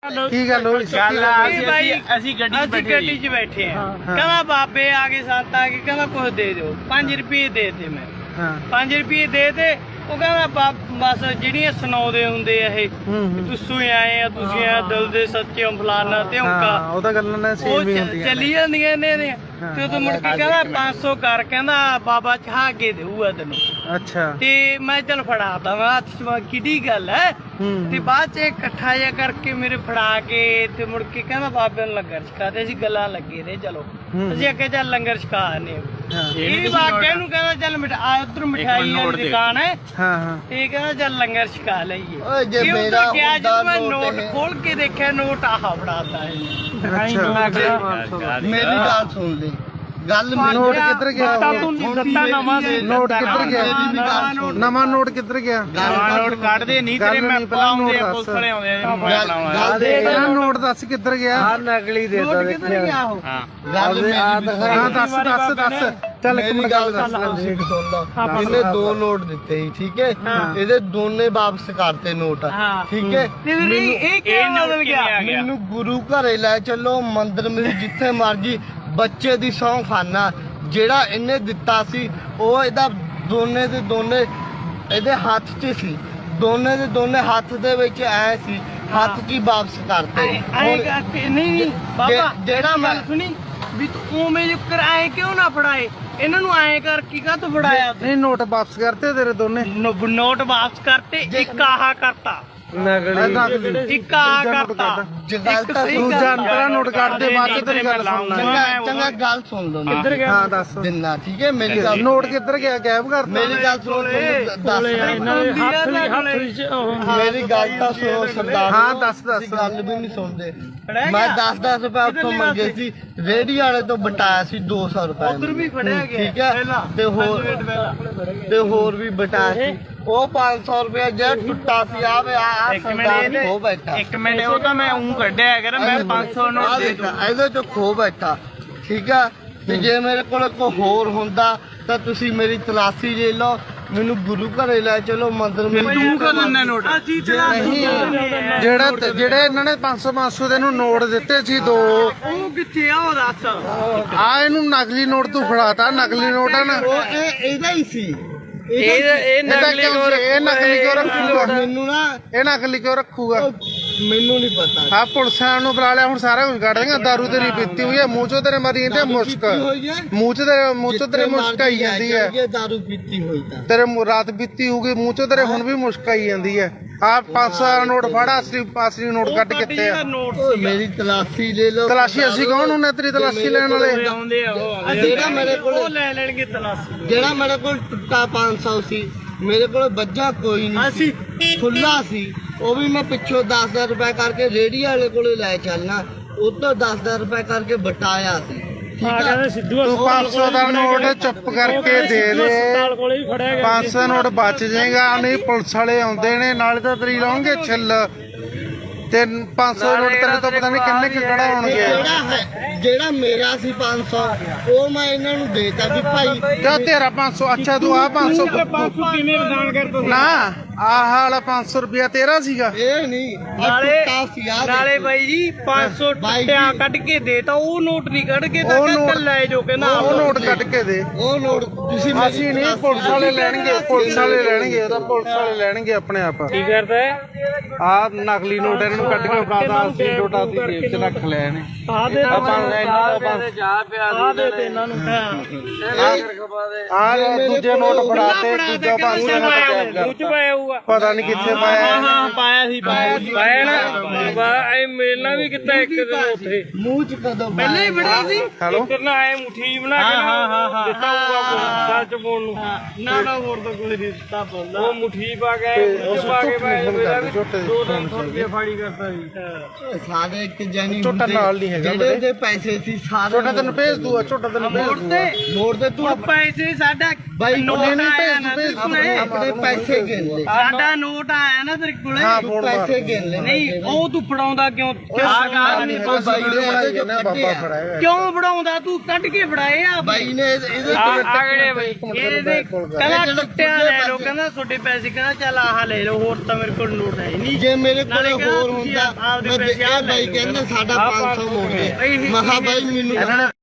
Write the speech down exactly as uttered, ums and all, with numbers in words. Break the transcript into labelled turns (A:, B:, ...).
A: ਕੀ ਗੱਲ ਹੋਈ?
B: ਅਸੀਂ ਗੱਡੀ 'ਚ ਬੈਠੇ ਆ, ਕਹਿੰਦਾ ਬਾਬੇ ਆ ਗਏ, ਸੱਤ ਆ ਗਏ, ਕਹਿੰਦਾ ਕੁਛ ਦੇ ਦਿਓ। ਪੰਜ ਰੁਪਏ ਦੇ ਤੇ ਮੈਂ ਪੰਜ ਰੁਪਏ ਦੇ ਤੇ ਉਹ ਕਹਿੰਦਾ ਬਸ ਜਿਹੜੀਆਂ ਸੁਣਾਉਂਦੇ ਹੁੰਦੇ ਆ ਇਹ ਤੁਸੀਂ ਆਏ ਆ, ਤੁਸੀਂ ਆ ਦਿਲ ਦੇ ਸੱਚੇ ਫਲਾਨਾ ਤੇ
A: ਉਹ ਤਾਂ ਗੱਲਾਂ ਨੇ ਸੇਮ ਹੀ ਹੁੰਦੀਆਂ,
B: ਚੱਲੀ ਜਾਂਦੀਆਂ ਨੇ ਇਹਦੀਆਂ। ਤੇ ਉਦੋਂ ਮੁੜ ਕੇ ਕਹਿੰਦਾ ਪੰਜ ਸੌ ਕਰ, ਕਹਿੰਦਾ ਬਾਬਾ ਚਾਹ ਕੇ ਦੇਊਗਾ ਤੈਨੂੰ।
A: ਅੱਛਾ।
B: ਤੇ ਮੈਂ ਚੱਲ ਫੜਾ ਦਵਾਂ, ਕਿਹੜੀ ਗੱਲ ਹੈ। ਤੇ ਬਾਅਦ ਚ ਇਕੱਠਾ ਜਿਹਾ ਕਰਕੇ ਮੇਰੇ ਫੜਾ ਕੇ ਤੇ ਮੁੜ ਕੇ ਕਹਿੰਦਾ ਬਾਬੇ ਨੂੰ ਲੰਗਰ ਛਕਾਤੇ। ਅਸੀਂ ਗੱਲਾਂ ਲੱਗੇ ਰਹੇ, ਚਲੋ ਅਸੀਂ ਅੱਗੇ ਚੱਲ ਲੰਗਰ ਛਕਾ ਆਨੇ। ਇਹ ਬਾਬੇ ਨੂੰ ਕਹਿੰਦਾ ਚੱਲ ਉਧਰ ਮਠਿਆਈ ਵਾਲੀ ਦੁਕਾਨ ਹੈ, ਤੇ ਕਹਿੰਦਾ ਚੱਲ ਲੰਗਰ ਛਕਾ ਲਈਏ। ਜੇ ਮੇਰਾ ਜਦੋਂ ਮੈਂ ਨੋਟ ਖੋਲ ਕੇ ਦੇਖਿਆ, ਨੋਟ ਆਹ ਫੜਾਤਾ ਹੈ।
C: ਮੇਰੀ ਗੱਲ ਸੁਣ ਲੈ, ਗੱਲ
A: ਨੋਟ ਕਿੱਧਰ ਗਿਆ?
B: ਦਿੱਤਾ ਨਵਾਂ
A: ਨੋਟ ਕਿੱਧਰ ਗਿਆ? ਨਵਾਂ ਨੋਟ ਕਿੱਧਰ ਗਿਆ?
B: ਨੋਟ ਕੱਢਦੇ ਨਹੀਂ ਤੇਰੇ, ਮੈਂ ਪਾਉਂਦੇ ਆ ਪੁਲਿਸ ਵਾਲੇ ਆਉਂਦੇ ਆ।
A: ਨੋਟ ਦੱਸ ਕਿੱਧਰ ਗਿਆ?
C: ਆ ਨਕਲੀ ਦੇ ਤਾ ਦੇਖਿਆ। ਗੱਲ
A: ਹਾਂ ਦੱਸ ਦੱਸ ਦੱਸ ਚੱਲ ਇੱਕ ਮਿੰਟ ਗੱਲ ਦੱਸ।
C: ਇਹਨੇ ਦੋ ਨੋਟ ਦਿੱਤੇ ਸੀ, ਠੀਕ ਹੈ, ਇਹਦੇ ਦੋਨੇ ਵਾਪਸ ਕਰਤੇ ਨੋਟ, ਠੀਕ ਹੈ।
B: ਇਹ ਕੀ ਮਤਲਬ ਗਿਆ?
C: ਮੈਨੂੰ ਗੁਰੂ ਘਰੇ ਲੈ ਚੱਲੋ, ਮੰਦਿਰ ਮੇਂ ਜਿੱਥੇ ਮਰਜੀ, ਬੱਚੇ ਦੀ ਸਹੁੰ ਖਾਨਾ। ਜਿਹੜਾ ਇਹਨੇ ਦਿੱਤਾ ਸੀ ਉਹ ਇਹਦਾ ਦੋਨੇ ਦੇ ਦੋਨੇ ਇਹਦੇ ਹੱਥ 'ਚ ਸੀ, ਦੋਨੇ ਦੇ ਦੋਨੇ ਹੱਥ ਦੇ ਵਿੱਚ ਐ ਸੀ, ਹੱਥ 'ਚ ਹੀ ਵਾਪਸ ਕਰਤੇ।
B: ਨਹੀਂ ਨਹੀਂ ਬਾਬਾ,
C: ਜਿਹੜਾ ਮੈਂ
B: ਸੁਣੀ ਵੀ ਤੂੰ ਉਵੇਂ ਕਰਾਏ ਕਿਉਂ ਨਾ ਫੜਾਏ ਇਹਨਾਂ ਨੂੰ? ਐਂ ਕਰ ਕੀ ਕਾ ਤੂੰ ਫੜਾਇਆ?
A: ਨਹੀਂ ਨੋਟ ਵਾਪਸ ਕਰਤੇ ਤੇਰੇ ਦੋਨੇ?
B: ਨੋਟ ਵਾਪਸ ਕਰਤੇ, ਇੱਕ ਆਹ ਕਰਤਾ,
A: ਨਕਲੀ
B: ਇੱਕ ਆਹ ਕਰਤਾ।
A: ਦੂਜਾ ਅੰਤਰਾ ਨੋਟ ਕੱਢਦੇ, ਬਾਅਦ ਚ ਤੇਰੀ ਗੱਲ ਸੁਣਨਾ।
C: ਚੰਗਾ ਗੱਲ ਸੁਣ ਲਓ,
A: ਹਾਂ ਦੱਸ
C: ਦਿਨਾ, ਠੀਕ ਹੈ। ਮੇਰੀ ਗੱਲ,
A: ਨੋਟ ਕਿੱਧਰ ਗਿਆ? ਗਾਇਬ ਕਰਤਾ?
C: ਮੇਰੀ ਗੱਲ ਸੁਣ, ਦੱਸ ਮੇਰੀ ਗੱਲ ਤਾਂ ਸੁਣੋ ਸਰਦਾਰ।
A: ਹਾਂ ਦੱਸ ਦੱਸ।
C: ਗੱਲ ਵੀ ਨਹੀਂ ਸੁਣਦੇ। ਮੈਂ ਦਸ ਦਸ ਰੁਪਏ ਉੱਥੋਂ ਮੰਗੇ ਸੀ, ਰੇਹੜੀ ਵਾਲੇ ਤੋਂ ਬਟਾਇਆ ਸੀ ਦੋ ਸੌ ਰੁਪਏ,
B: ਉਧਰ ਵੀ ਫੜਿਆ ਗਿਆ,
C: ਠੀਕ ਹੈ। ਤੇ ਹੋਰ ਤੇ ਹੋਰ ਵੀ ਬਟਾਇਆ ਸੀ, ਉਹ ਪੰਜ ਸੌ ਰੁਪਏ ਜਿਹੜਾ ਟੁੱਟਾ ਸੀ। ਆ ਵੇ ਆ ਸਰਦਾਰ ਖੋ ਬੈਠਾ।
B: ਇੱਕ ਮਿੰਟ, ਉਹ ਤਾਂ ਮੈਂ ਉਂ ਕੱਢਿਆ ਹੈਗਾ, ਮੈਂ ਪੰਜ ਸੌ ਨੋਟ ਦੇ ਦਿੱਤਾ
C: ਇਹਦੇ ਚੋਂ ਖੋ ਬੈਠਾ, ਠੀਕ ਆ। ਤੇ ਜੇ ਮੇਰੇ ਕੋਲ ਕੋਈ ਹੋਰ ਹੁੰਦਾ ਤਾਂ ਤੁਸੀਂ ਮੇਰੀ ਤਲਾਸ਼ੀ ਲੈ ਲਓ, ਮੈਨੂੰ ਗੁਰੂ ਘਰੇ ਲੈ ਚਲੋ, ਮੰਦਿਰ ਮੇਂ।
B: ਤੂੰ ਕਰ ਲੈਣਾ ਨੋਟ?
A: ਨਹੀਂ, ਜਿਹੜਾ ਜਿਹੜੇ ਇਹਨਾਂ ਨੇ ਪੰਜ ਸੌ ਪੰਜ ਸੌ ਦੇ ਨੂੰ ਨੋਟ ਦਿੱਤੇ ਸੀ ਦੋ,
B: ਉਹ ਕਿੱਥੇ ਆ? ਉਹ ਦੱਸ।
A: ਆ ਇਹਨੂੰ ਨਕਲੀ ਨੋਟ ਤੂੰ ਫੜਾਤਾ। ਨਕਲੀ ਨੋਟ ਆ ਨਾ,
C: ਉਹ ਇਹ ਇਹਦਾ ਹੀ ਸੀ।
B: ਇਹ ਇਹ ਨਕਲੀ ਕਿਉਂ?
A: ਇਹ ਨਕਲੀ ਕਿਉਂ ਰੱਖੂਗਾ?
C: ਮੈਨੂੰ ਨਾ
A: ਇਹ ਨਕਲੀ ਕਿਉਂ ਰੱਖੂਗਾ?
C: ਮੈਨੂੰ ਨਹੀਂ ਪਤਾ।
A: ਆ ਪੁਲਿਸਾਂ ਨੂੰ ਬੁਲਾ ਲਿਆ, ਹੁਣ ਸਾਰਾ ਕੁਝ ਕੱਢ ਦੇਗਾ। ਦਾਰੂ ਤੇਰੀ ਪੀਤੀ ਹੋਈ ਹੈ, ਮੂੰਹ ਚੋਂ ਤੇਰੇ ਮਰੀ ਤੇ ਮੁਸ਼ਕ, ਮੂੰਹ ਚ ਤੇਰੇ ਮੂੰਹ ਚੋਂ ਤੇਰੇ ਮੁਸ਼ਕ ਆਈ ਜਾਂਦੀ ਹੈ।
C: ਦਾਰੂ ਪੀਤੀ ਹੋਈ ਤਾਂ
A: ਤੇਰੇ ਰਾਤ ਪੀਤੀ ਹੋਊਗੀ, ਮੂੰਹ ਚੋਂ ਤੇਰੇ ਹੁਣ ਵੀ ਮੁਸ਼ਕ ਆਈ ਜਾਂਦੀ ਹੈ। ਆ ਪੰਜ ਸੌ ਦਾ ਨੋਟ ਫੜਾ, ਅਸਲੀ ਅਸਲੀ ਨੋਟ ਕੱਢ ਕਿੱਥੇ ਆ?
C: ਮੇਰੀ ਤਲਾਸ਼ੀ ਲੈ ਲਓ।
A: ਤਲਾਸ਼ੀ ਅਸੀਂ ਕੌਣ ਹੁੰਨੇ ਤੇਰੀ ਤਲਾਸ਼ੀ ਲੈਣ ਵਾਲੇ?
C: ਜਿਹੜਾ ਮੇਰੇ ਕੋਲ
B: ਲੈ ਲੈਣਗੇ ਤਲਾਸ਼ੀ।
C: ਜਿਹੜਾ ਮੇਰੇ ਕੋਲ ਟੁੱਟਾ ਪੰਜ ਸੌ ਸੀ, ਮੇਰੇ ਕੋਲ ਬੱਜਾ ਕੋਈ ਨਹੀਂ ਸੀ, ਖੁੱਲਾ ਸੀ। ਉਹ ਵੀ ਮੈਂ ਪਿੱਛੋਂ ਦਸ ਦਸ ਰੁਪਏ ਕਰਕੇ ਰੇਹੜੀ ਵਾਲੇ ਕੋਲੇ ਲੈ ਚੱਲਣਾ, ਉਹ ਤੋਂ ਦਸ ਦਸ ਰੁਪਏ ਕਰਕੇ ਬਟਾਇਆ ਸੀ।
A: ਤੂੰ ਪੰਜ ਸੌ ਦਾ ਨੋਟ ਚੁੱਪ ਕਰਕੇ ਦੇ ਦੇ, ਪੰਜ ਸੌ ਨੋਟ ਬਚ ਜਾਏਗਾ। ਨਹੀਂ ਪੁਲਿਸ ਵਾਲੇ ਆਉਂਦੇ ਨੇ, ਨਾਲੇ ਤਾਂ ਤੇਰੀ ਲਾਉਂਗੇ ਛਿੱਲ, ਤੇ ਪੰਜ ਸੌ ਨੋਟ ਤੇਰੇ ਤੋਂ ਪਤਾ ਨਹੀਂ ਕਿੰਨੇ ਕਿ ਕਢਾਉਣਗੇ।
C: ਜਿਹੜਾ ਹੈ ਜਿਹੜਾ ਮੇਰਾ ਸੀ ਪੰਜ ਸੌ, ਉਹ ਮੈਂ ਇਹਨਾਂ ਨੂੰ ਦੇਤਾ ਵੀ ਭਾਈ
A: ਕਿਉਂ ਤੇਰਾ ਪੰਜ ਸੌ? ਅੱਛਾ ਤੂੰ ਆ ਪੰਜ ਸੌ
B: ਕਿਵੇਂ ਦਾਨ ਕਰਦਾ?
A: ਨਾ ਆਹ ਵਾਲਾ ਪੰਜ ਸੌ ਰੁਪਇਆ ਤੇਰਾ ਸੀਗਾ?
C: ਇਹ ਨਹੀਂ,
B: ਨਾਲੇ ਨਾਲੇ ਬਾਈ ਜੀ ਪੰਜ ਸੌ ਟੁੱਟਿਆ ਕੱਢ ਕੇ ਦੇਤਾ, ਉਹ ਨੋਟ ਨਹੀਂ ਕੱਢ ਕੇ ਤਾਂ ਕੱਲ ਲੈ ਜੋ ਕਹਿੰਦਾ
A: ਉਹ ਨੋਟ ਕੱਢ ਕੇ ਦੇ।
C: ਉਹ ਨੋਟ ਤੁਸੀਂ
A: ਅਸੀਂ ਨਹੀਂ, ਪੁਲਿਸ ਵਾਲੇ ਲੈਣਗੇ, ਪੁਲਿਸ ਵਾਲੇ ਲੈਣਗੇ, ਉਹਦਾ ਪੁਲਿਸ ਵਾਲੇ ਲੈਣਗੇ ਆਪਣੇ ਆਪ।
B: ਕੀ ਕਰਦਾ ਹੈ?
A: ਆ ਨਕਲੀ ਨੋਟ ਇਹਨਾਂ ਨੂੰ ਕੱਢ ਕੇ ਫੜਾਤਾ, ਅਸੀਂ ਨੋਟਾਂ ਦੀ ਜੇਬ 'ਚ ਰੱਖ ਲਿਆ ਨੇ।
B: ਆ ਦੇ ਜਾ ਪਿਆ ਆ ਦੇ ਤੇ ਇਹਨਾਂ ਨੂੰ।
A: ਆ ਦੂਜੇ ਨੋਟ ਫੜਾਤੇ, ਦੂਜਾ ਪੰਜ ਸੌ ਨੋਟ
B: ਮੂੰਹ ਚ ਪਾਇਆ ਹੋਊਗਾ,
A: ਪਤਾ ਨਹੀਂ ਕਿੱਥੇ ਪਾਇਆ।
B: ਹਾਂ ਪਾਇਆ ਸੀ, ਪਾਇਆ ਸੀ, ਪਾਇਆ ਨਾ। ਇਹ ਮੇਲਣਾ ਵੀ ਕਿੱਤਾ ਇੱਕ ਦਿਨ ਉੱਥੇ
C: ਮੂੰਹ ਚ ਕਦੋਂ
B: ਪਹਿਲਾਂ ਹੀ ਬੜਾ ਸੀ।
A: ਹੈਲੋ,
B: ਕਰਨਾ ਐ ਮੁੱਠੀ ਬਣਾ ਕੇ ਨਾ ਦਿੱਤਾ ਹੋਊਗਾ ਗੱਲ ਚ ਪਾਉਣ ਨੂੰ। ਨਾ ਨਾ ਹੋਰ ਤਾਂ ਕੋਈ ਨਹੀਂ ਦਿੱਤਾ ਪਾਉਂਦਾ, ਉਹ ਮੁੱਠੀ ਪਾ ਕੇ ਮੁੱਠੀ ਪਾ ਕੇ ਮੈਂ ਦੋ ਤਿੰਨ ਸੌ ਰੁਪਏ ਫਾੜੀ ਕਰਦਾ ਸੀ।
C: ਸਾਰੇ ਇੱਕ ਜਾਨੀ
A: ਝੋਟਾ ਨਾਲ ਨਹੀਂ ਹੈਗਾ,
C: ਜਿਹੜੇ ਦੇ ਪੈਸੇ ਸੀ ਸਾਰੇ
A: ਝੋਟਾ ਤੈਨੂੰ ਭੇਜ ਦੂਆ, ਝੋਟਾ ਤੈਨੂੰ ਭੇਜ ਦੂਆ।
C: ਮੋੜ ਦੇ ਤੂੰ
B: ਪੈਸੇ ਸਾਡਾ
C: ਬਾਈ
B: ਨੋਟ ਆਇਆ ਨਾ ਤੇਰੇ ਕੋਲੇ,
C: ਆਪਣੇ ਪੈਸੇ ਗਿਣ ਲੈ।
B: ਸਾਡਾ ਨੋਟ ਆਇਆ ਨਾ ਤੇਰੇ ਕੋਲੇ,
A: ਹਾਂ ਫੋਨ
C: ਪੈਸੇ ਗਿਣ ਲੈ।
B: ਨਹੀਂ ਉਹ ਤੂੰ ਫੜਾਉਂਦਾ ਕਿਉਂ
C: ਆਹ ਨਹੀਂ ਕੋਈ ਬਾਈ ਨੇ ਇਹਦੇ ਚੋਂ
A: ਬਾਬਾ ਫੜਾਇਆ
B: ਕਿਉਂ ਫੜਾਉਂਦਾ ਤੂੰ ਕੱਢ ਕੇ ਫੜਾਏ ਆ
C: ਬਾਈ ਨੇ ਇਹਦੇ
B: ਆਗੜੇ ਬਈ ਇਹਦੇ ਕਹਿੰਦਾ ਟੁੱਟਿਆ ਲੈ ਲਓ ਕਹਿੰਦਾ ਤੁਹਾਡੇ ਪੈਸੇ ਕਹਿੰਦਾ ਚੱਲ ਆਹ ਲੈ ਲਓ ਹੋਰ ਤਾਂ ਮੇਰੇ ਕੋਲ ਨੋਟ ਹੈ ਨਹੀਂ
C: ਜੇ ਮੇਰੇ ਕੋਲ ਹੋਰ ਹੁੰਦਾ ਮੈਂ ਇਹ ਬਾਈ ਕਹਿੰਦਾ ਸਾਡਾ ਪੰਜ ਸੌ ਮੋੜ ਦੇ ਮੈਂ ਕਿਹਾ ਬਾਈ ਮੈਨੂੰ